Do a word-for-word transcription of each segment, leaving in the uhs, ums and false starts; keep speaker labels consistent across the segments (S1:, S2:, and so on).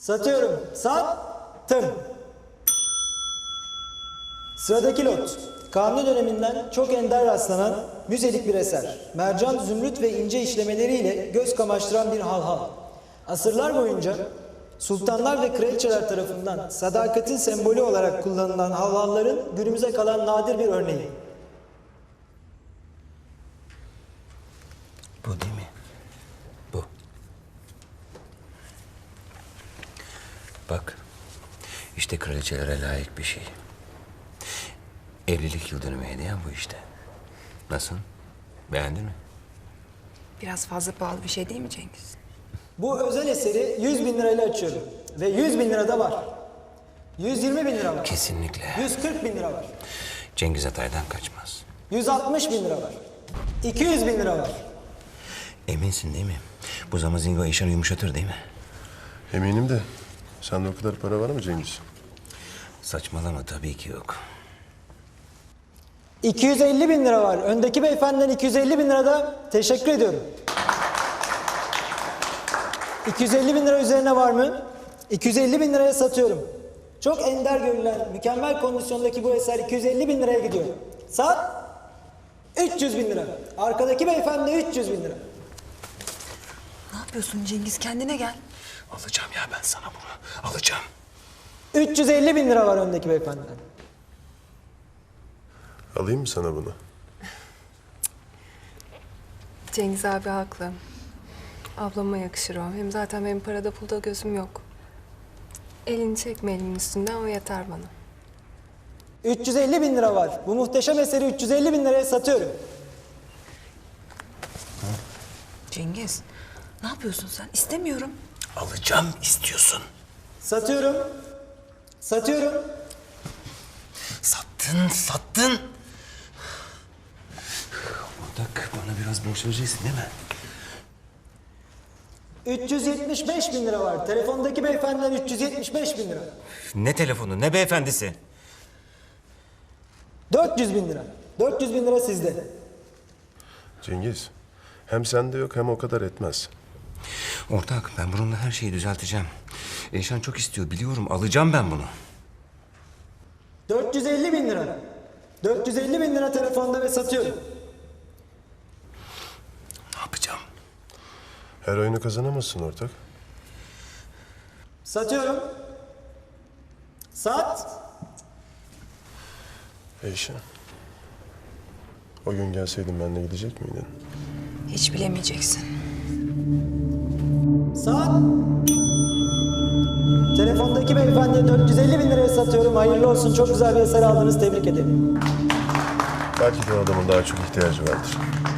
S1: Satıyorum. Sattım. Sıradaki lot. Kanuni döneminden çok ender rastlanan müzelik bir eser. Mercan, zümrüt ve ince işlemeleriyle göz kamaştıran bir halhal. Asırlar boyunca sultanlar ve kraliçeler tarafından sadakatin sembolü olarak kullanılan halhalların günümüze kalan nadir bir örneği.
S2: Bu değil mi? Bu. Bak, işte kraliçelere layık bir şey. Evlilik yıl dönümü hediyem bu işte. Nasıl? Beğendin mi?
S3: Biraz fazla pahalı bir şey değil mi Cengiz?
S1: Bu özel eseri yüz bin lirayla açıyorum. Ve yüz bin lira da var. yüz yirmi bin lira var.
S2: Kesinlikle.
S1: yüz kırk bin lira var.
S2: Cengiz Atay'dan kaçmaz.
S1: yüz altmış bin lira var. iki yüz bin lira var.
S2: Eminsin değil mi? Bu zamazingo işini yumuşatır değil mi?
S4: Eminim de sende o kadar para var mı Cengiz?
S2: Saçmalama, tabii ki yok.
S1: iki yüz elli bin lira var. Öndeki beyefendiden iki yüz elli bin lira da teşekkür ediyorum. iki yüz elli bin lira üzerine var mı? iki yüz elli bin liraya satıyorum. Çok ender görülen, mükemmel kondisyondaki bu eser iki yüz elli bin liraya gidiyor. Sat. üç yüz bin lira. Arkadaki beyefendi üç yüz bin lira.
S3: Ne yapıyorsun Cengiz? Kendine gel.
S2: Alacağım ya ben sana bunu. Alacağım.
S1: üç yüz elli bin lira var öndeki beyefendiden.
S4: Alayım mı sana bunu?
S5: Cengiz abi haklı. Ablama yakışır o. Hem zaten benim parada pulda gözüm yok. Elini çekme elimin üstünden, o yeter bana.
S1: üç yüz elli bin lira var. Bu muhteşem eseri üç yüz elli bin liraya satıyorum.
S3: Cengiz, ne yapıyorsun sen? İstemiyorum.
S2: Alacağım istiyorsun.
S1: Satıyorum. Satıyorum.
S2: Sattın, sattın. Ortak, bana biraz borç vereceksin değil mi?
S1: üç yüz yetmiş beş bin lira var. Telefondaki beyefendiden üç yüz yetmiş beş bin lira.
S2: Ne telefonu, ne beyefendisi?
S1: dört yüz bin lira. dört yüz bin lira sizde.
S4: Cengiz, hem sende yok hem o kadar etmez.
S2: Ortak, ben bununla her şeyi düzelteceğim. Eyşan çok istiyor, biliyorum. Alacağım ben bunu.
S1: dört yüz elli bin lira. dört yüz elli bin lira telefonda ve satıyorum.
S2: Ne yapacağım?
S4: Her oyunu kazanamazsın ortak.
S1: Satıyorum. Sat.
S4: Eyşan, o gün gelseydin benimle gidecek miydin?
S3: Hiç bilemeyeceksin.
S1: Sat. Telefondaki beyefendiye dört yüz elli bin liraya satıyorum. Hayırlı olsun. Çok güzel bir eser aldınız. Tebrik ederim.
S4: Belki de o adamın daha çok ihtiyacı vardır.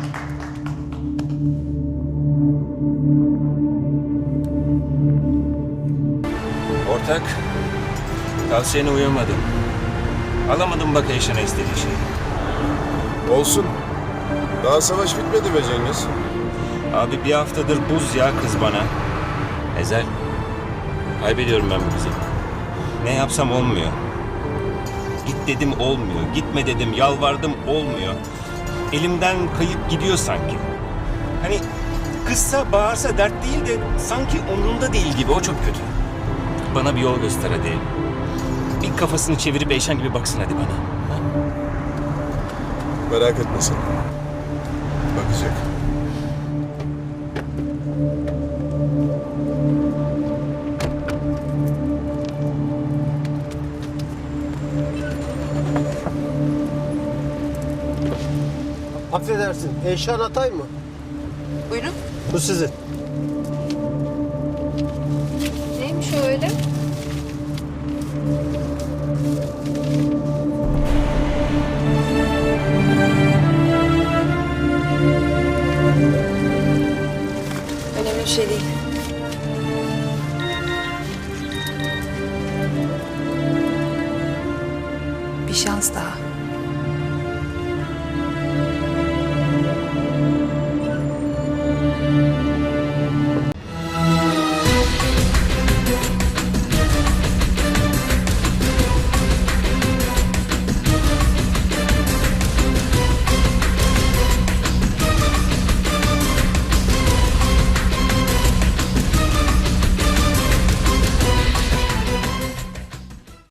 S2: Ortak, tavsiyene uyamadım. Alamadım bak Eyşan'a istediği şeyi.
S4: Olsun. Daha savaş bitmedi be Cengiz.
S2: Abi bir haftadır buz ya kız bana. Ezel, kaybediyorum ben bu kızı. Ne yapsam olmuyor. Git dedim olmuyor, gitme dedim, yalvardım olmuyor. Elimden kayıp gidiyor sanki. Hani kızsa bağırsa dert değil de sanki umurumda değil gibi, o çok kötü. Bana bir yol göster hadi. Bir kafasını çevirip Eyşan gibi baksın hadi bana. Ha?
S4: Merak etme sen. Bakacak.
S6: Affedersin, Eyşan Atay mı?
S3: Buyurun.
S6: Bu sizin.